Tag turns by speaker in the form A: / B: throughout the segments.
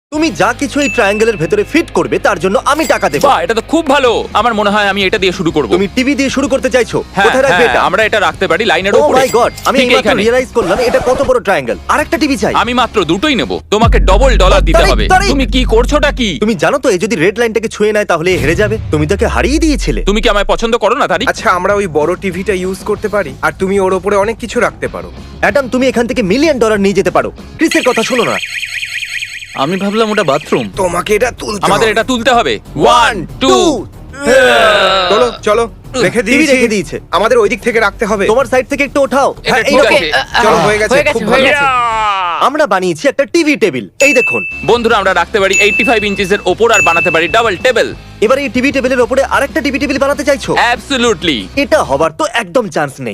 A: তুমি যা কিছু এই ট্রায়াঙ্গেলের ভেতরে ফিট করবে তার জন্য আমি টাকা দেবো।
B: বাহ, এটা তো খুব ভালো। আমার মনে হয় আমি এটা দিয়ে শুরু করব।
A: তুমি টিভি দিয়ে শুরু করতে চাইছো?
B: হ্যাঁ,
A: কোথায় রাখবে
B: হ্যাঁ,
A: এটা?
B: আমরা এটা রাখতে পারি লাইনের
A: ও
B: উপরে।
A: মাই গড, আমি
B: ঠিক
A: এইমাত্র
B: এখানে।
A: রিয়েলাইজ করলাম এটা কত বড় ট্রায়াঙ্গেল। আরেকটা টিভি চাই।
B: আমি মাত্র দুটোই নেব, তোমাকে ডবল ডলার দিতে হবে।
A: তাড়াতাড়ি।
B: তুমি কি করছোটা কি?
A: তুমি জানো তো, এ যদি রেড লাইনটাকে ছুঁয়ে নেয় তাহলে এ হেরে যাবে। তুমি তাকে হারিয়ে দিয়েছিলে।
B: তুমি কি আমায় পছন্দ করো না তারিক?
C: আচ্ছা, আমরা ওই বড় টিভিটা ইউজ করতে পারি আর তুমি ওর উপরে অনেক কিছু রাখতে পারো।
A: অ্যাডাম, তুমি এখান থেকে $1 মিলিয়ন নিয়ে যেতে পারো। ক্রিসের কথা শোনো না।
D: আমি ভাবলাম ওটা বাথরুম।
C: তোমাকে এটা তুলতে
B: আমাদের
C: হবে।
B: এটা তুলতে হবে। 1 2
C: চলো চলো, রেখে
A: টিভি
C: দিয়েছি।
A: রেখে দিয়েছে।
C: আমাদের ওই দিক থেকে রাখতে হবে।
A: তোমার সাইড থেকে একটু ওঠাও।
B: এটা
A: হ্যাঁ, এই
B: ঠিক
A: দেখো।
B: আছে।
C: চলো, হয়ে গেছে, খুব ভালো।
A: আমরা বানিয়েছি একটা টিভি টেবিল। এই দেখুন।
B: বন্ধুরা, আমরা রাখতে পারি 85 ইঞ্চিসের ওপর আর বানাতে পারি ডাবল টেবিল।
A: এবার এই টিভি টেবিলের উপরে আরেকটা টিভি টেবিল বানাতে চাইছো?
B: অ্যাবসলিউটলি।
A: এটা হবার তো একদম চান্স নেই।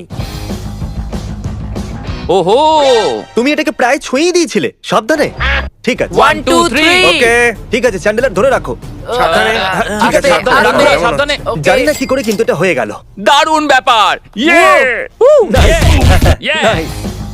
B: ওহো,
A: তুমি এটাকে প্রায় ছুঁয়েই দিয়েছিলে। সাবধানে। ঠিক আছে।
B: 1 2 3।
C: ওকে,
A: ঠিক আছে, চ্যান্ডেলার ধরে রাখো।
C: সাবধানে।
A: ঠিক আছে,
B: সাবধানে,
A: সাবধানে,
B: সাবধানে, সাবধানে।
A: জানি না কি করে কিন্তু এটা হয়ে গেল।
B: দারুণ ব্যাপার। ইয়ে!
A: Nice.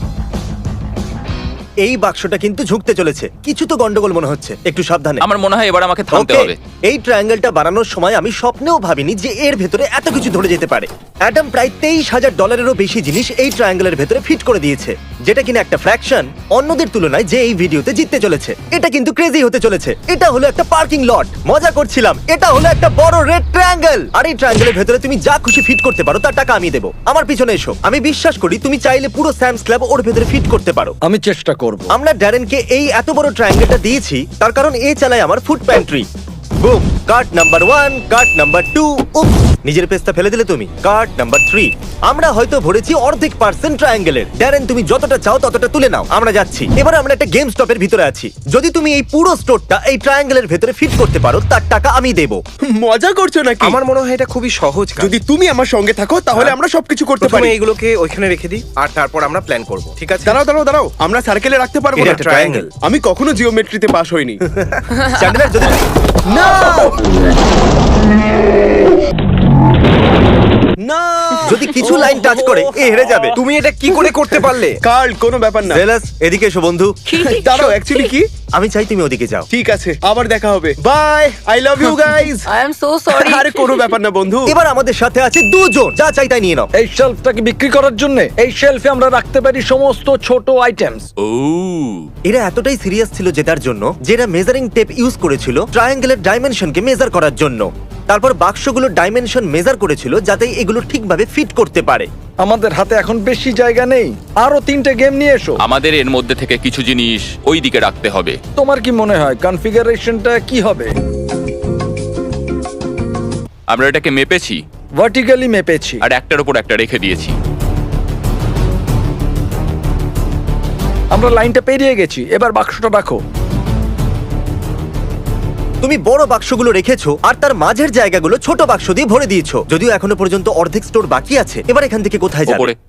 A: এই বাক্সটা কিন্তু ঝুঁকতে চলেছে। কিছু তো গন্ডগোল মনে হচ্ছে। একটু সাবধানে।
B: আমার মনে হয় এবার আমাকে থামতে
A: Okay,
B: হবে।
A: এই ট্রায়াঙ্গেলটা বানানোর সময় আমি স্বপ্নেও ভাবিনি যে এর ভেতরে এত কিছু ধরে যেতে পারে। অ্যাডাম প্রায় $23,000 বেশি জিনিস এই ট্রায়াঙ্গেলের ভেতরে ফিট করে দিয়েছে, যেটা কিনা একটা ফ্র্যাকশন অন্যদের তুলনায় যে এই ভিডিওতে জিততে চলেছে। এটা কিন্তু ক্রেজি হতে চলেছে। এটা হলো একটা পার্কিং লট। মজা করছিলাম। এটা হলো একটা বড় রেড ট্রায়াঙ্গেল। আর এই ট্রায়াঙ্গেলের ভেতরে তুমি যা খুশি ফিট করতে পারো তার টাকা আমি দেবো। আমার পিছনে এসো। আমি বিশ্বাস করি তুমি চাইলে পুরো স্যামস ক্লাব ওর ভেতরে ফিট করতে পারো।
D: আমি চেষ্টা করব।
A: আমরা ড্যারেনকে এই এত বড় ট্রায়াঙ্গেলটা দিয়েছি তার কারণ এ চালায় আমার food pantry. Boom, cart number 1, cart number 2। Oops, নিজের পেস্তা ফেলে দিলে তুমি। Cart number 3। আমরা হয়তো ভরেছি অর্ধেক পার্সেন্ট ট্রায়াঙ্গেলের। ড্যারেন, তুমি যতটা চাও ততটা তুলে নাও। আমরা যাচ্ছি। এবার আমরা একটা গেম স্টপের ভিতরে আছি। যদি তুমি এই পুরো স্টোরটা এই ট্রায়াঙ্গেলের ভেতরে ফিট করতে পারো তার টাকা আমি দেবো।
E: মজা করছো নাকি?
C: আমার মনে হয় এটা খুবই সহজ কাজ।
E: যদি তুমি আমার সঙ্গে থাকো তাহলে আমরা সবকিছু করতে
C: প্রথমে
E: পারি।
C: এইগুলোকে ওইখানে রেখে দিই আর তারপর আমরা প্ল্যান করব, ঠিক আছে?
E: দাঁড়াও দাঁড়াও দাঁড়াও, আমরা সার্কেলে রাখতে পারবো
A: এটা
E: না।
A: একটা triangle।
E: আমি কখনো জিওমেট্রিতে পাস হইনি।
A: চ্যান্ডেলার, যদি
E: না না,
A: যদি কিছু লাইন টাচ করে এ হেরে যাবে।
C: তুমি এটা কি করে করতে পারলে?
E: কার্ল, কোনো ব্যাপার না।
A: জেলাস, এদিকে এসো বন্ধু।
E: দাঁড়াও, অ্যাকচুয়ালি কি?
A: আমি চাই তুমি ওদিকে যাও।
E: ঠিক আছে, আবার দেখা হবে। Bye, I love you guys.
F: I am so sorry.
E: আরে কোনো ব্যাপার না বন্ধু।
A: এবার আমাদের সাথে আছে দুজন। যা চাই তাই নিয়ে নাও।
D: এই শেলফটাকে বিক্রি করার জন্য এই শেলফে আমরা রাখতে পারি সমস্ত ছোট আইটেমস।
B: ও,
A: এরা এতটাই সিরিয়াস ছিল জেতার জন্য যে এরা মেজারিং টেপ ইউজ করেছিল ট্রায়াঙ্গেলের ডাইমেনশনকে মেজার করার জন্য। তারপর বাক্সগুলোর ডাইমেনশন মেজার করেছিল যাতে এগুলো ঠিকভাবে ফিট করতে পারে।
D: আমাদের হাতে এখন বেশি জায়গা নেই। আরো 3টে গেম নিয়ে এসো।
B: আমাদের এর মধ্যে থেকে কিছু জিনিস ওই দিকে রাখতে হবে।
D: তোমার কি মনে হয় কনফিগারেশনটা কি হবে?
B: আমরা এটাকে মেপেছি
D: ভার্টিক্যালি মেপেছি।
B: আর একটার উপর একটা রেখে দিয়েছি।
D: আমরা লাইনটা পেরিয়ে গেছি। এবার বাক্সটা রাখো।
A: তুমি বড় বাক্সগুলো রেখেছো আর তার মাঝের জায়গাগুলো ছোট বাক্স দিয়ে ভরে দিয়েছো। যদিও এখনো পর্যন্ত অর্ধেক স্টোর বাকি আছে। এবার এখান থেকে কোথায় যাবে?
B: উপরে।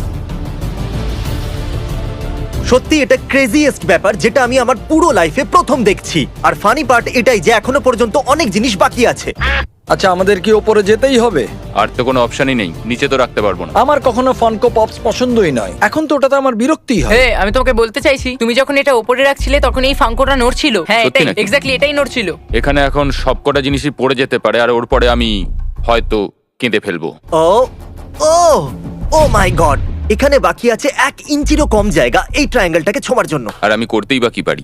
A: সত্যি এটা ক্রেজিয়েস্ট ব্যাপার যেটা আমি আমার পুরো লাইফে প্রথম দেখছি। আর ফানি পার্ট এটাই যে এখনো পর্যন্ত অনেক জিনিস বাকি আছে।
D: আচ্ছা, আমাদের কি ওপরে যেতেই হবে?
B: আর তো কোনো অপশনই নেই, নিচে তো রাখতে পারবো না।
D: আমার কখনো ফানকো পপস পছন্দই নয়। এখন তো ওটাতে আমার বিরক্তিই হয়।
F: হে, আমি তোমাকে বলতে চাইছি তুমি যখন এটা উপরে রাখছিলে তখন এই ফাঙ্কোটা নড়ছিল। হ্যাঁ,
B: সত্যি
F: এটাই
B: নাকি?
F: এক্স্যাক্টলি এটাই নড়ছিল।
B: এখানে এখন সবকটা জিনিসই পড়ে যেতে পারে আর ওর পরে আমি হয়তো কেঁদে ফেলবো।
A: ও ও ও মাই গড, এখানে বাকি আছে 1 ইঞ্চিরও কম জায়গা এই ট্রায়াঙ্গেলটাকে ছোঁয়ার জন্য।
B: আর আমি করতেই বা কি পারি?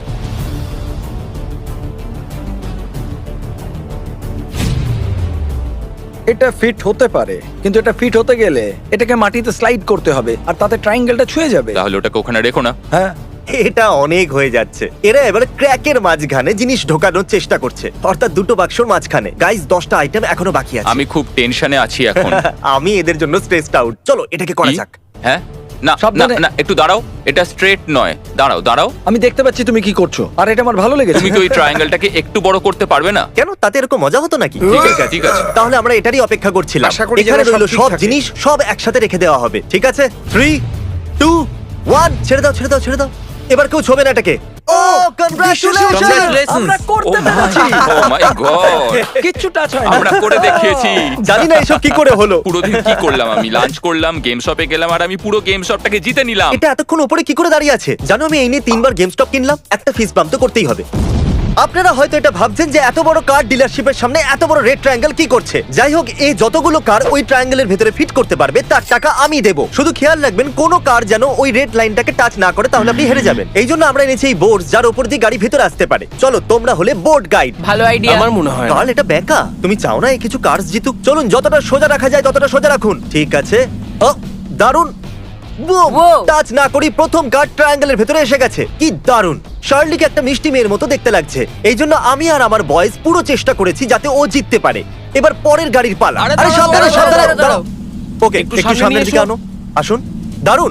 D: এটা ফিট হতে পারে, কিন্তু এটা ফিট হতে গেলে এটাকে মাটিতে স্লাইড করতে হবে আর তাতে ট্রায়াঙ্গেলটা ছুঁয়ে যাবে।
B: তাহলে ওটাকে ওখানে রেখো না।
D: হ্যাঁ,
A: এটা অনেক হয়ে যাচ্ছে। এরা এবার ক্র্যাকের মাঝখানে জিনিস ঢোকানোর চেষ্টা করছে, অর্থাৎ দুটো বাক্সর মাঝখানে। গাইস, 10টা আইটেম এখনো বাকি আছে।
B: আমি খুব টেনশনে আছি এখন।
A: আমি এদের জন্য স্ট্রেসড আউট। চলো এটাকে করা
B: কি?
A: যাক।
B: হ্যাঁ, না না
D: সাবধানে।
B: না, একটু দাঁড়াও। এটা স্ট্রেট নয়। দাঁড়াও দাঁড়াও।
D: আমি দেখতে পাচ্ছি তুমি কি করছো আর এটা আমার ভালো লেগেছে।
B: তুমি কি ওই ট্রায়াঙ্গেলটাকে একটু বড় করতে পারবে না?
A: কেন, তাতে এরকম মজা হতো নাকি?
B: ঠিক আছে, ঠিক আছে।
A: তাহলে আমরা এটারই অপেক্ষা করছিলাম।
C: আশা করি
A: এখানে
C: যেন সব
A: রইলো
C: ঠিক
A: সব
C: থাকে।
A: জিনিস সব একসাথে রেখে দেওয়া হবে। ঠিক আছে, 3 2 1 ছেড়ে দাও ছেড়ে দাও ছেড়ে দাও। এবার কেউ ছবে না এটাকে। Oh congratulation!
D: আমরা করতে
B: Oh
D: পেরেছি।
B: মাই গড!
D: কিচ্ছু টাচ হয় না।
B: আমরা করে দেখিয়েছি।
A: জানি না এসব কি করে হলো।
B: পুরো দিন কি করলাম আমি? লাঞ্চ করলাম, গেম শপে গেলাম আর আমি পুরো গেম শপটাকে জিতে নিলাম।
A: এটা এতক্ষণ উপরে কি করে দাঁড়িয়ে আছে? জানো, আমি এই নিয়ে 3বার গেম স্টপ কিনলাম। একটা ফিস পাম্প তো করতেই হবে। আপনারা হয়তো এটা ভাবছেন যে এত বড় কার ডিলারশিপের সামনে এত বড় রেড ট্রায়াঙ্গেল কি করছে। যাই হোক, এই যতগুলো কার ওই ট্রায়াঙ্গেলের ভেতরে ফিট করতে পারবে তার টাকা আমি দেব। শুধু খেয়াল রাখবেন কোনো কার যেন ওই রেড লাইনটাকে টাচ না করে, তাহলে আপনি হেরে যাবেন। এই জন্য আমরা এনেছি এই বোর্ড যার উপর দিয়ে গাড়ি ভেতরে আসতে পারে। চলো, তোমরা হলে বোর্ড গাইড।
F: ভালো আইডিয়া।
C: আমার মনে হয় না।
A: কাল এটা বেকা, তুমি চাও না এই কিছু কার্স জিতুক? চলুন, যতটা সোজা রাখা যায় ততটা সোজা রাখুন। ঠিক আছে। ও দারুণ,
F: Wow!
A: টাচ না করি প্রথম কার ট্রায়াঙ্গেলের ভেতরে এসে গেছে। কি দারুণ! শার্লিকে একটা মিষ্টি মেয়ের মতো দেখতে লাগছে। এই জন্য আমি আর আমার বয়েজ পুরো চেষ্টা করেছি যাতে ও জিততে পারে। এবার পরের গাড়ির পালা।
F: আরে
A: আরে
F: দাঁড়াও,
A: সাবধানে,
F: দাঁড়াও,
A: সাবধানে,
F: দাঁড়াও,
A: দাঁড়াও। ওকে,
C: একটু
A: একটু
C: সামনে
A: সামনের
C: নিয়ে
A: দিকে
C: এসো।
A: আনো। আসুন। দারুণ,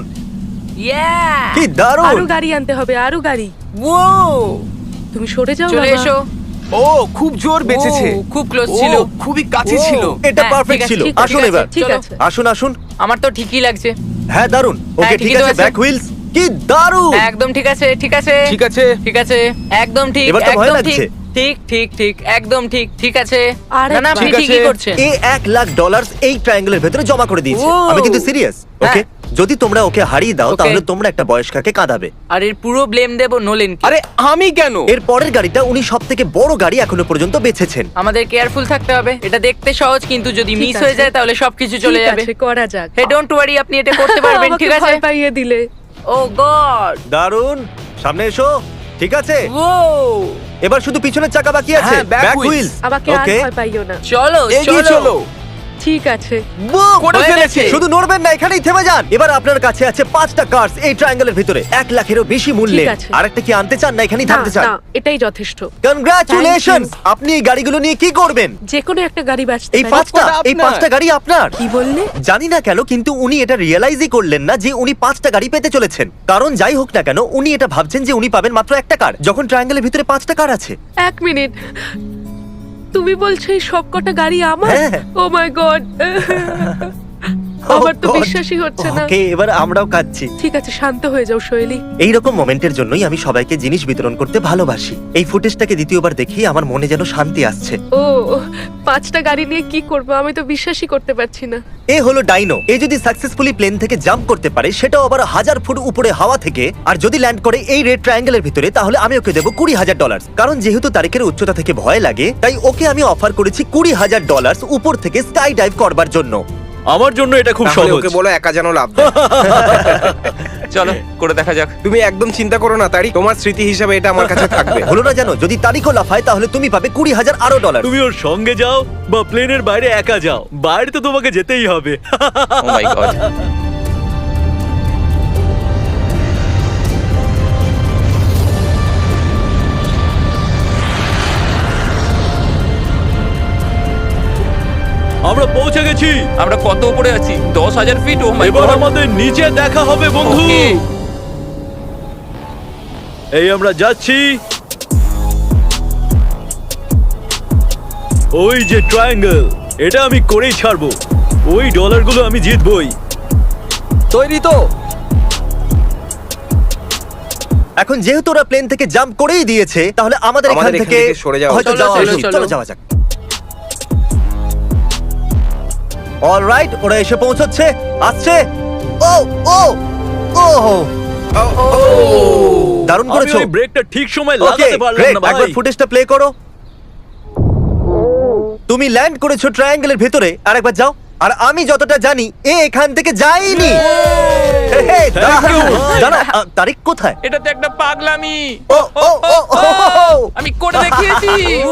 F: Yeah!
A: কি দারুণ!
G: আরো গাড়ি আনতে হবে, আরো গাড়ি।
F: Wow!
G: তুমি সরে যাও
F: চলে
G: বাবা।
F: এসো।
C: ও খুব জোর বেঁচেছে।
F: ও, খুব ক্লোজ
C: ও,
F: ছিল।
C: খুবই কাছে
F: ও।
C: ছিল।
A: এটা
F: হ্যাঁ,
A: পারফেক্ট
F: ঠিক আছে,
A: ছিল।
G: ঠিক আছে,
A: আসুন
G: ঠিক
A: এবার।
G: আছে, ঠিক
F: চলো।
G: আছে।
A: আসুন, আসুন।
F: আমার তো ঠিকই লাগছে।
A: হ্যাঁ, দারুণ। ওকে,
F: হ্যাঁ,
A: ঠিক
F: ঠিকই তো
A: আছে।
F: আছে।
A: Back wheels. কি দারুণ!
F: একদম ঠিক আছে, ঠিক আছে।
C: ঠিক আছে।
F: ঠিক আছে, একদম ঠিক,
A: এবার তো ভয়
F: একদম
A: লাগছে।
F: ঠিক, ঠিক, ঠিক, ঠিক, একদম ঠিক, ঠিক আছে।
G: আরে
F: না না, আপনি
C: ঠিক
F: ঠিকই
C: আছে।
F: করছেন।
A: এ $1,00,000 এই ট্রায়াঙ্গেলের ভেতরে জমা করে দিয়েছে।
F: ও।
A: আমি কিন্তু সিরিয়াস। ওকে, যদি তোমরা ওকে হারিয়ে দাও
F: ওকে।
A: তাহলে তোমরা একটা বয়স্কাকে কাঁদাবে।
F: আর এর পুরো ব্লেম দেব নোলেন।
C: আরে আমি কেন?
A: এর পরের গাড়িটা উনি সবথেকে বড় গাড়ি এখনো পর্যন্ত বেছেছেন।
F: আমাদের কেয়ারফুল থাকতে হবে। এটা দেখতে সহজ, কিন্তু যদি
G: ঠিক
F: মিস
G: আছে।
F: হয়ে যায় তাহলে সবকিছু চলে
G: ঠিক
F: যাবে।
G: আছে, করা যাক।
F: হে ডোন্ট ওয়ারি, আপনি এটা করতে পারবেন,
G: আমাকে
F: ঠিক আছে?
G: ভয় পাইয়ে দিলে।
F: Oh god!
A: দারুণ, সামনে এসো। ঠিক আছে,
F: ও
A: এবার শুধু পিছনের চাকা বাকি আছে।
C: হ্যাঁ, back
A: ব্যাক
C: wheels।
A: হুইলস।
G: আমাকে আর
A: ওকে,
G: ভয় পাইও না।
F: চলো,
C: এগিয়ে চলো।
G: ঠিক আছে।
C: করে
F: হয়ে
C: ফেলেছে।
F: গেছে।
A: শুধু নড়বেন না, এখানেই থেমে যান। এবার আপনার কাছে আছে 5টা কার্স এই ট্রায়াঙ্গেলের ভিতরে 1,00,000-এরও বেশি মূল্যে।
G: ঠিক আছে।
A: আরেকটা কি আনতে চান না এখানেই
G: না,
A: থামতে চান?
G: না, এটাই যথেষ্ট।
A: কনগ্রাচুলেশনস! আপনি এই গাড়িগুলো নিয়ে কি করবেন?
G: যে কোনো একটা গাড়ি বাঁচতে
A: এই
G: পারে।
A: 5টা,
C: সবকটা
A: এই
C: আপনার।
A: 5টা গাড়ি আপনার।
G: কি বললে?
A: জানি না কেন, কিন্তু উনি এটা রিয়েলাইজই করলেন না যে উনি 5টা গাড়ি পেতে চলেছেন। কারণ যাই হোক না কেন, উনি এটা ভাবছেন যে উনি পাবেন মাত্র একটা কার, যখন ট্রায়াঙ্গেলের ভিতরে 5টা কার আছে।
G: এক মিনিট, তুমি বলছো এই সবকটা গাড়ি আমার?
A: হ্যাঁ।
G: ও মাই গড, আমার তো
A: Oh God!
G: বিশ্বাসই হচ্ছে না।
A: ওকে, এবার আমরাও কাঁদছি।
G: ঠিক আছে, শান্ত হয়ে যাও শৈলী।
A: এইরকম মোমেন্টের জন্যই আমি সবাইকে জিনিস বিতরণ করতে ভালোবাসি। এই ফুটেজটাকে দ্বিতীয়বার দেখি আমার মনে যেন শান্তি আসছে।
G: ও, 5টা গাড়ি নিয়ে কি করবো, আমি তো বিশ্বাসই করতে পারছি না।
A: এ হলো ডাইনো। এ যদি সাকসেসফুলি প্লেন থেকে জাম্প করতে পারে, সেটাও আবার 1000 ফুট উপরে হাওয়া থেকে, আর যদি ল্যান্ড করে এই রেড ট্রায়াঙ্গেলের ভিতরে, তাহলে আমি ওকে দেবো $20,000। কারণ যেহেতু তারিখের উচ্চতা থেকে ভয় লাগে, তাই ওকে আমি অফার করেছি $20,000 উপর থেকে স্কাই ডাইভ করবার জন্য।
H: আমার জন্য এটা খুব
C: তাহলে
H: সহজ।
C: ওকে বলো একা যেন লাভ দেয়।
B: চলো করে দেখা যাক।
C: তুমি একদম চিন্তা করো না তারি, তোমার স্মৃতি হিসাবে এটা আমার কাছে থাকবে।
A: হলো না জানো, যদি তারিখও লাফায় তাহলে তুমি পাবে $20,000 আরো ডলার।
H: তুমি ওর সঙ্গে যাও বা প্লেনের বাইরে একা যাও, বাইরে তো তোমাকে যেতেই হবে।
B: Oh my god.
H: আমরা পৌঁছে গেছি।
B: আমরা কত উপরে আছি? 10,000 ফিট। ও মাই
H: এবার
B: গড।
H: আমাদের নিচে দেখা হবে বন্ধু।
B: Okay.
H: এই আমরা যাচ্ছি। ওই যে ট্রায়াঙ্গেল, এটা আমি করেই ছাড়বো। ওই ডলারগুলো আমি জিতবই।
D: তৈরি তো?
A: এখন যেহেতু ওরা প্লেন থেকে জাম্প করেই দিয়েছে, তাহলে আমাদের এখান
C: আমাদের এখান
A: থেকে
C: থেকে সরে যাওয়া
A: হয়তো
F: উচিত।
A: যাওয়া
F: চলো,
A: উচিত।
F: চলো।
A: চলো যাওয়া যাক। অলরাইট, ওরা এসে পৌঁছচ্ছে, আসছে। ও ও ও, দারুণ
H: আমি
A: করেছো।
H: ওই ব্রেকটা ঠিক সময়
A: ওকে,
H: লাগাতে পারলাম
A: গ্রেট।
H: না ভাই।
A: একবার ফুটেজটা প্লে করো। তুমি ল্যান্ড করেছো ট্রায়াঙ্গেলের ভেতরে, আর একবার যাও। আর আমি যতটা জানি, এ এখান থেকে যায়নি। হে, দাঁড়াও, দাঁড়াও, তারিখ কোথায়?
B: এটা তো একটা পাগলামি।
A: ও ও ও ও,
B: আমি করে দেখিয়েছি।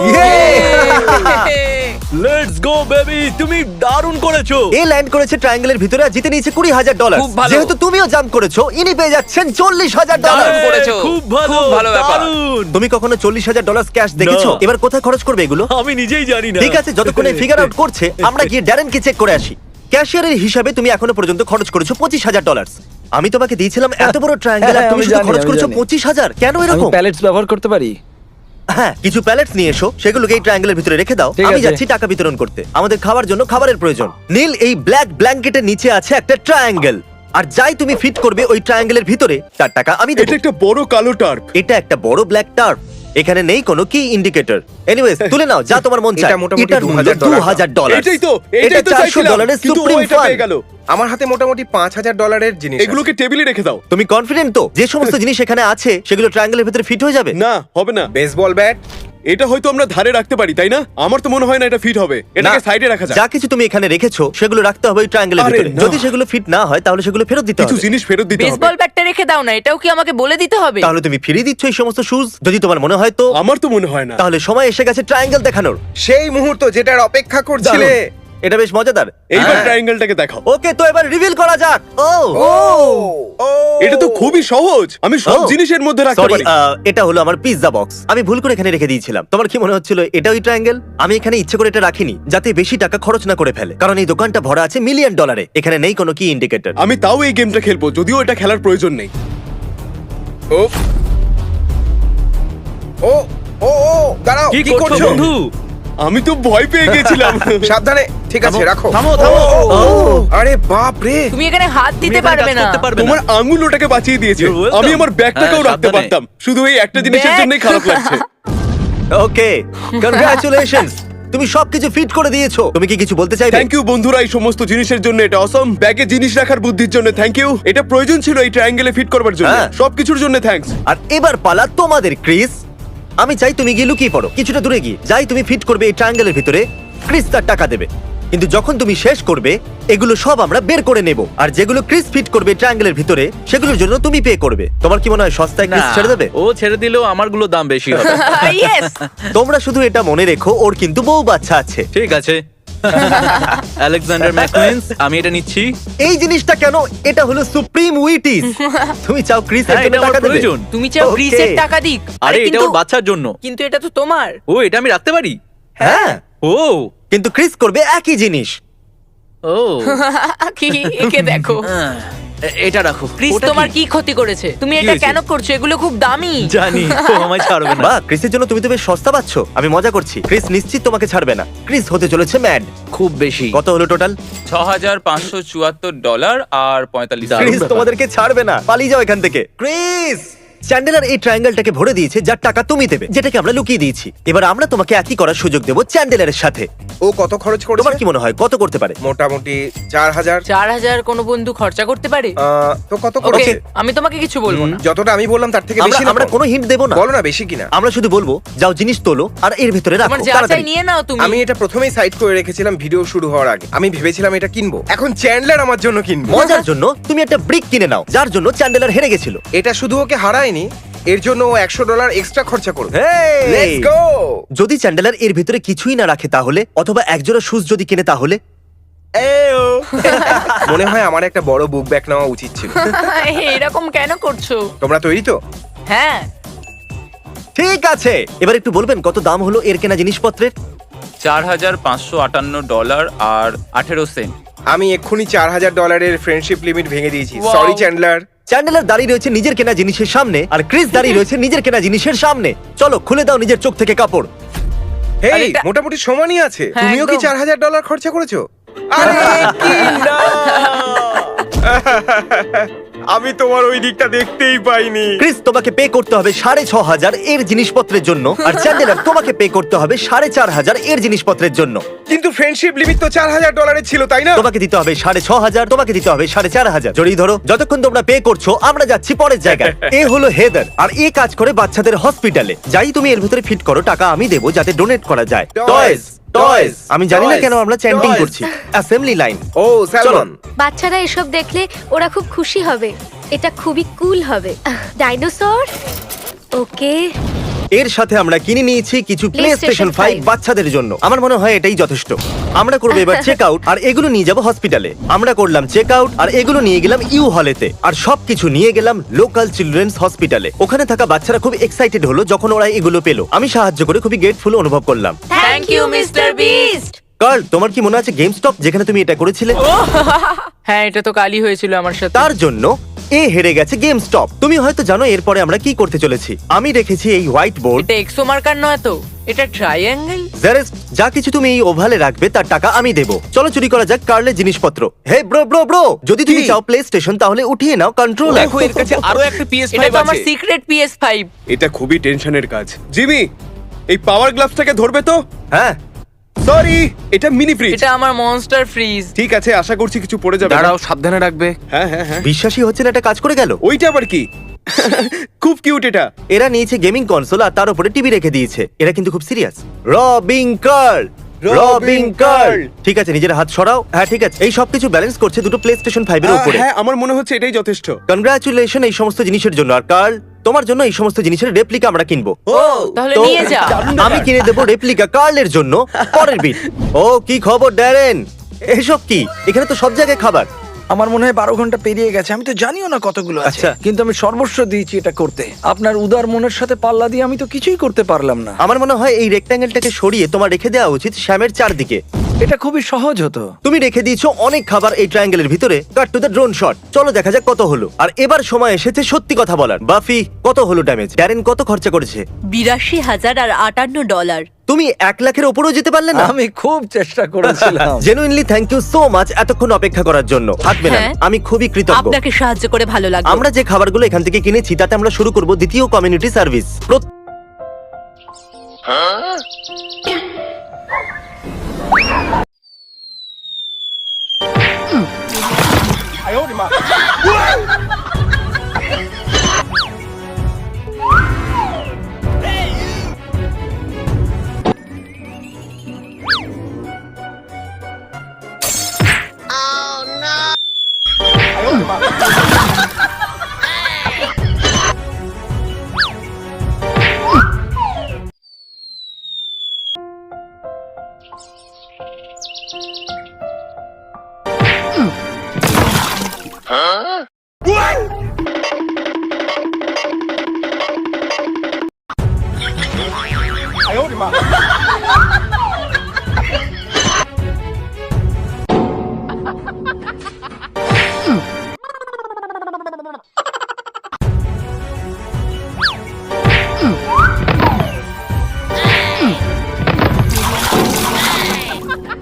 H: লেটস গো বেবি, তুমি দারুণ করেছো।
A: এ ল্যান্ড করেছে ট্রায়াঙ্গেলের ভিতরে আর জিতে নিয়েছে $20,000।
B: খুব ভালো।
A: যেহেতু তুমিও জাম্প করেছো, ইনি পেয়ে যাচ্ছেন $40,000।
B: দারুণ করেছো।
H: খুব ভালো,
B: খুব ভালো ব্যাপার।
H: দারুণ।
A: তুমি কখনো $40,000 ক্যাশ দেখেছো?
H: না।
A: এবার কোথায় খরচ করবে এগুলো?
H: আমি নিজেই জানি না।
A: ঠিক আছে, যতক্ষণে ফিগার আউট করছে, আমরা গিয়ে ড্যারেনকে চেক করে আসি। ক্যাশিয়ারের হিসাবে তুমি এখনো পর্যন্ত খরচ করেছো $25,000। আমি তোমাকে দিয়েছিলাম এত বড় ট্রায়াঙ্গেল, আর
D: হ্যাঁ,
A: তুমি
D: আমি
A: শুধু
D: জানি,
A: খরচ
D: আমি
A: করেছো
D: জানি।
A: 25,000। কেন
D: আমি
A: এরকম?
D: প্যালেটস ব্যবহার করতে পারি?
A: হ্যাঁ, কিছু প্যালেটস নিয়ে এসো, সেগুলোকে এই ট্রায়াঙ্গেলের ভিতরে রেখে দাও।
D: ঠিক
A: আমি
D: আছে।
A: যাচ্ছি টাকা বিতরণ করতে। আমাদের খাওয়ার জন্য খাবারের প্রয়োজন। নীল, এই ব্ল্যাক ব্ল্যাঙ্কেটের নিচে আছে একটা ট্রায়াঙ্গেল, আর যাই তুমি ফিট করবে ওই ট্রায়াঙ্গেলের ভিতরে, তার টাকা আমি দেব।
E: এটা একটা বড় কালো টার্প।
A: এটা একটা বড় ব্ল্যাক টার্প। এখানে নেই কোনো কি ইন্ডিকেটর। এনিওয়েজ, তুলে নাও যা তোমার মন চায়।
C: এটা মোটামুটি
A: এটার মূল্য
C: $2,000
A: $2,000।
E: এটাই তো
A: এটা
E: চাইছিলাম,
A: $400
E: কিন্তু ও
A: সুপ্রিম
E: এটা
A: ফান।
E: পেয়ে গেল।
C: আমার হাতে মোটামুটি $5,000 জিনিস আছে।
E: এগুলোকে টেবিলে রেখে দাও।
A: তুমি কনফিডেন্ট তো যে সমস্ত জিনিস এখানে আছে সেগুলো ট্রায়াঙ্গেলের ভেতরে ফিট হয়ে যাবে?
E: না, হবে না।
C: Baseball bat.
E: এটা হয়তো আমরা ধারে রাখতে পারি, তাই না? আমার তো মনে হয় না এটা ফিট হবে। এটাকে
A: না,
E: সাইডে রাখা যাক।
A: যা কিছু তুমি এখানে রেখেছো সেগুলো রাখতে হবে ওই ট্রায়াঙ্গেলের
E: আরে
A: ভিতরে।
E: না।
A: যদি সেগুলো ফিট না হয় তাহলে সেগুলো ফেরত দিতে
E: কিছু
A: হবে।
E: জিনিস ফেরত দিতে হবে।
F: বেসবল ব্যাটটা রেখে দাও না, এটাও কি আমাকে বলে দিতে হবে?
A: তাহলে তুমি ফিরিয়ে দিচ্ছ এই সমস্ত শুজ? যদি তোমার মনে হয় তো
E: আমার তো মনে হয় না।
A: তাহলে সময় এসে গেছে ট্রায়াঙ্গেল দেখানোর।
C: সেই মুহূর্ত যেটার অপেক্ষা করছিলে।
A: দারুণ। এটা বেশ মজাদার।
E: এইবার
A: হ্যাঁ।
E: ট্রায়াঙ্গেলটাকে দেখাও।
A: ওকে, তো এবার রিভিল করা যাক। ও
E: এটা তো খুবই সহজ। আমি সব
A: ও।
E: জিনিসের মধ্যে রাখতে
A: সরি,
E: পারি।
A: এটা হলো আমার পিৎজা বক্স। আমি ভুল করে এখানে রেখে দিয়েছিলাম। তোমার কি মনে হচ্ছিল এটা ওই ট্রায়াঙ্গেল? আমি এখানে ইচ্ছে করে এটা রাখিনি যাতে বেশি টাকা খরচ না করে ফেলে, কারণ এই দোকানটা ভরা আছে $1 মিলিয়ন। এখানে নেই কোনো কি ইন্ডিকেটর।
E: আমি তাও এই গেমটা খেলবো, যদিও এটা খেলার প্রয়োজন নেই।
C: ও ও ও ও দাঁড়াও,
H: কি
C: কি
H: করছো
C: করছো?
H: বন্ধু?
E: আমি তো ভয় পেয়ে গেছিলাম।
C: সাবধানে। ঠিক আছে, রাখো।
H: থামো, থামো।
C: ও, আরে বাপ রে।
F: তুমি এখানে হাত দিতে
H: তুমি এখানে
F: পারবে
H: কাজ
F: না।
H: করতে পারবে
E: তোমার
H: না।
E: আঙুল ওটাকে বাঁচিয়ে দিয়েছে।
H: You're welcome.
E: আমি আমার ব্যাগটাকেও
H: হ্যাঁ,
E: রাখতে
H: সাবধানে।
E: পারতাম, শুধু এই একটা জিনিসের
F: ব্যাগ?
E: জন্যই খারাপ লাগছে।
A: ওকে, কনগ্রাচুলেশনস, তুমি সবকিছু ফিট করে দিয়েছো। তুমি কি কিছু বলতে চাইবে?
E: থ্যাংক ইউ বন্ধুরা, এই সমস্ত জিনিসের জন্য। এটা অসম। ব্যাগে জিনিস রাখার বুদ্ধির জন্য থ্যাংক ইউ। এটা প্রয়োজন ছিল এই ট্রায়াঙ্গেলে ফিট করবার জন্য।
A: হ্যাঁ।
E: সবকিছুর জন্য থ্যাঙ্কস।
A: আর এবার পালা তোমাদের, ক্রিস। আমি চাই তুমি গিয়ে লুকিয়ে পড়ো কিছুটা দূরে গিয়ে। যাই তুমি ফিট করবে এই ট্রায়াঙ্গেলের ভিতরে, ক্রিস তার টাকা দেবে। কিন্তু যখন তুমি শেষ করবে এগুলো সব আমরা বের করে নেব, আর যেগুলো ক্রিস ফিট করবে ট্রায়াঙ্গেলের ভিতরে সেগুলোর জন্য তুমি পে করবে। তোমার কি মনে হয় সস্তায় ক্রিস ছেড়ে দেবে?
H: ও ছেড়ে দিলেও আমারগুলো দাম বেশি হবে।
F: ইয়েস।
A: তোমরা শুধু এটা মনে রেখো, ওর কিন্তু বউ বাচ্চা আছে।
H: ঠিক আছে। আলেকজান্ডার ম্যাককুইন্স, আমি এটা নিচ্ছি।
A: এই জিনিসটা কেন? এটা হলো সুপ্রিম উইটিস। তুমি চাও ক্রিস এর
H: হ্যাঁ,
A: জন্য
H: এটা আমার
A: টাকা দেবে?
H: প্রয়োজন।
F: তুমি চাও
A: Okay.
F: ক্রিসের টাকা দিক?
H: আরে এটা
F: কিন্তু
H: ওর বাচ্চার জন্য।
F: কিন্তু এটা তো তোমার।
H: ও, এটা আমি রাখতে পারি?
A: হ্যাঁ,
H: ও
A: কিন্তু ক্রিস করবে একই জিনিস।
H: ও
F: কি একে দেখো।
H: এটা রাখো।
F: ক্রিস
H: ওটা
F: তোমার
H: কি?
F: কি ক্ষতি করেছে? তুমি
H: কি
F: এটা
H: হয়েছে?
F: কেন করছো? এগুলো খুব দামি।
H: জানি ও আমায় ছাড়বে না।
A: বাহ, ক্রিসের জন্য তুমি তো বেশ সস্তা পাচ্ছ। আমি মজা করছি। ক্রিস নিশ্চিত তোমাকে ছাড়বে না। ক্রিস হতে চলেছে ম্যাড।
H: খুব বেশি।
A: কত হলো টোটাল?
B: $6,574 আর 45
H: দারুণ
A: ক্রিস
H: ব্যাপার।
A: তোমাদেরকে ছাড়বে না। পালিয়ে যাও এখান থেকে। ক্রিস, চ্যান্ডেলার এই ট্রায়াঙ্গেলটাকে ভরে দিয়েছে যার টাকা তুমি দেবে, যেটাকে আমরা লুকিয়ে দিয়েছি। এবার আমরা তোমাকে একই করার সুযোগ দেবো চ্যান্ডেলারের সাথে।
C: ও কত খরচ
A: তোমার
C: করেছে?
A: কি মনে হয় কত করতে পারে?
C: মোটামুটি 4,000।
F: 4,000 কোনো বন্ধু খরচা করতে পারে?
C: তো কত
F: ওকে,
C: করেছে?
F: আমি তোমাকে কিছু বলবো না।
C: যতটা আমি বললাম তার থেকে
A: আমরা
C: বেশি না?
A: আমরা কোনো হিন্ট দেবো না।
C: বলো না বেশি কিনা।
A: আমরা শুধু বলবো যাও জিনিস তোলো আর এর ভিতরে রাখো
F: তোমার যা চাই
A: তাড়াতাড়ি।
F: নিয়ে নাও তুমি।
C: আমি এটা প্রথমেই সাইড করে রেখেছিলাম ভিডিও শুরু হওয়ার আগে। আমি ভেবেছিলাম এটা কিনবো, এখন চ্যান্ডলার আমার জন্য কিনবো।
A: মজার জন্য তুমি একটা ব্রিক কিনে নাও, যার জন্য চ্যান্ডেলার হেরে গেছিল।
C: এটা শুধু ওকে হারায়নি, এর জন্য ও $100 এক্সট্রা খরচা করবে।
A: Hey!
C: Let's go.
A: যদি চ্যান্ডেলার এর ভিতরে কিছুই না রাখে তাহলে, অথবা একজোড়া শুজ যদি কিনে তাহলে।
C: মনে হয় আমার একটা বড় বুক ব্যাগ নেওয়া উচিত ছিল।
F: এরকম কেন করছো?
C: তোমরা তৈরি তো?
F: হ্যাঁ।
A: ঠিক আছে, এবার একটু বলবেন কত দাম হলো এর কেনা জিনিসপত্রের?
B: $4,558 আর 18 সেন্ট।
C: আমি এক্ষুনি $4,000 ফ্রেন্ডশিপ লিমিট ভেঙে দিয়েছি।
F: Wow.
C: Sorry Chandler.
A: চ্যান্ডেলার দাঁড়িয়ে রয়েছে নিজের কেনা জিনিসের সামনে, আর ক্রিস দাঁড়িয়ে রয়েছে নিজের কেনা জিনিসের সামনে। চলো খুলে দাও নিজের চোখ থেকে কাপড়।
C: হেই,
F: আরে এটা-
C: মোটামুটি সমানই আছে।
F: হ্যাঁ,
C: তুমিও কি
F: একদম।
C: $4,000 খরচা করেছো? আরে কি না! আমি তোমার ওই দিকটা দেখতেই পাইনি।
A: ক্রিস, তোমাকে পে করতে হবে 6,500 এর জিনিসপত্রের জন্য, আর চ্যান্ডেলার তোমাকে পে করতে হবে 4,500 এর জিনিসপত্রের জন্য।
C: কিন্তু ফ্রেন্ডশিপ লিমিট তো $4,000 ছিল, তাই না?
A: তোমাকে দিতে হবে 6,500, তোমাকে দিতে হবে 4,500। জড়িয়ে ধরো। যতক্ষণ তোমরা পে করছো আমরা যাচ্ছি পরের জায়গায়। এ হলো হেদার, আর এ কাজ করে বাচ্চাদের হসপিটালে। যাই তুমি এর ভিতরে ফিট করো, টাকা আমি দেবো যাতে ডোনেট করা যায়।
C: Toys, toys,
A: আমি জানি না
C: toys,
A: কেন আমরা চ্যান্টিং
C: toys.
A: করছি। Assembly line.
C: Oh salmon.
I: বাচ্চারা এসব দেখলে ওরা খুব খুশি হবে। এটা খুবই কুল হবে। ডাইনোসর। ওকে।
A: এর সাথে আমরা কিনে নিয়েছি কিছু
I: PlayStation
A: PlayStation 5
I: 5
A: বাচ্চাদের জন্য। আমার মনে হয় এটাই যথেষ্ট। আমরা করবো এবার চেক আউট, আর এগুলো নিয়ে যাব হসপিটালে। আমরা করলাম চেক আউট, আর এগুলো নিয়ে গেলাম ইউ হলেতে, আর সবকিছু নিয়ে গেলাম লোকাল চিলড্রেন্স হসপিটালে। ওখানে থাকা বাচ্চারা খুব এক্সাইটেড হলো যখন ওরা এগুলো পেলো। আমি সাহায্য করে খুবই গ্রেটফুল অনুভব করলাম।
F: Thank you mister Beast.
A: Karl, তোমার কি মনে আছে গেম স্টপ যেখানে তুমি এটা করেছিলে?
F: হ্যাঁ, এটা তো কালই হয়েছিল আমার সাথে।
A: তার জন্য এ হেরে গেছে গেম স্টপ। তুমি হয়তো জানো এরপরে আমরা কি করতে চলেছি। আমি রেখেছি এই হোয়াইট বোর্ড।
F: এটা এক্সো মার্কার নয় তো, এটা ট্রায়াঙ্গেল।
A: জারেস্ট, যা কিছু তুমি এই ওভালে রাখবে তার টাকা আমি দেবো। চলো চুরি করা যাক কার্লের জিনিসপত্র। হে ব্রো, যদি তুমি
C: কি?
A: চাও প্লে স্টেশন তাহলে উঠিয়ে নাও কন্ট্রোলার।
H: দেখো এর কাছে আরো একটা PS5
F: এটা তো আমার
H: আছে।
F: Secret PS5।
E: এটা খুবই টেনশনের কাজ। জিমি, এই পাওয়ার গ্লাভসটাকে ধরবে তো?
A: হ্যাঁ,
E: সরি, এটা মিনি ফ্রিজ।
F: এটা আমার মনস্টার ফ্রিজ।
E: ঠিক আছে, আশা করছি কিছু পড়ে যাবে না।
B: দাঁড়াও, সাবধানে রাখবে।
E: হ্যাঁ হ্যাঁ হ্যাঁ।
A: বিশ্বাসই হচ্ছে না এটা কাজ করে গেল।
E: ওইটা আবার কি? খুব কিউট এটা।
A: এরা নিয়েছে গেমিং কনসোল আর তার উপরে টিভি রেখে দিয়েছে। এরা কিন্তু খুব serious. Robbing Karl, robbing Karl. ঠিক আছে, নিজের হাত সরাও। হ্যাঁ ঠিক আছে, এই সবকিছু ব্যালেন্স করছে দুটো প্লে স্টেশন 5 এর উপরে।
E: হ্যাঁ, আমার মনে হচ্ছে এটাই যথেষ্ট।
A: কনগ্রাচুলেশন এই সমস্ত জিনিসের জন্য। আর কার্ল, তোমার জন্য এই সমস্ত জিনিসের রেপ্লিকা আমরা কিনবো।
F: তাহলে
A: তো
F: নিয়ে যা।
A: আমি কিনে দেবো রেপ্লিকা কার্লের জন্য পরের বিট। ও কি খবর ড্যারেন? এসব কি? এখানে তো সব জায়গায় খাবার।
D: আমার মনে হয় 12 ঘন্টা পেরিয়ে গেছে, আমি তো জানিও না কতগুলো আছে।
A: আচ্ছা।
D: কিন্তু আমি সর্বস্ব দিয়েছি এটা করতে। আপনার উদার মনের সাথে পাল্লা দিয়ে আমি তো কিছুই করতে পারলাম না।
A: আমার মনে হয় এই রেক্ট্যাঙ্গেলটাকে সরিয়ে তোমার রেখে দেওয়া উচিত শ্যামের চারদিকে।
D: এটা খুবই সহজ হতো।
A: তুমি রেখে দিয়েছো অনেক খাবার এই ট্রায়াঙ্গেলের ভিতরে। Cut to the drone shot. চলো দেখা যাক কত হলো। আর এবার সময় এসেছে সত্যি কথা বলার। বাফি, কত হলো ড্যামেজ? ড্যারেন কত খরচা করেছে?
I: $82,058
A: তুমি 1 লাখের ওপরেও যেতে পারলে না।
D: আমি খুব চেষ্টা করেছিলাম।
A: Genuinely thank you so much এতক্ষণ অপেক্ষা করার জন্য। হাত মেলান,
F: হ্যাঁ।
A: আমি খুবই কৃতজ্ঞ।
F: আপনাকে সাহায্য করে ভালো লাগলো।
A: আমরা যে খাবারগুলো এখান থেকে কিনেছি তাতে আমরা শুরু করব দ্বিতীয় কমিউনিটি সার্ভিস।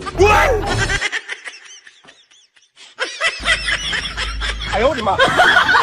E: আয় ওরে মা।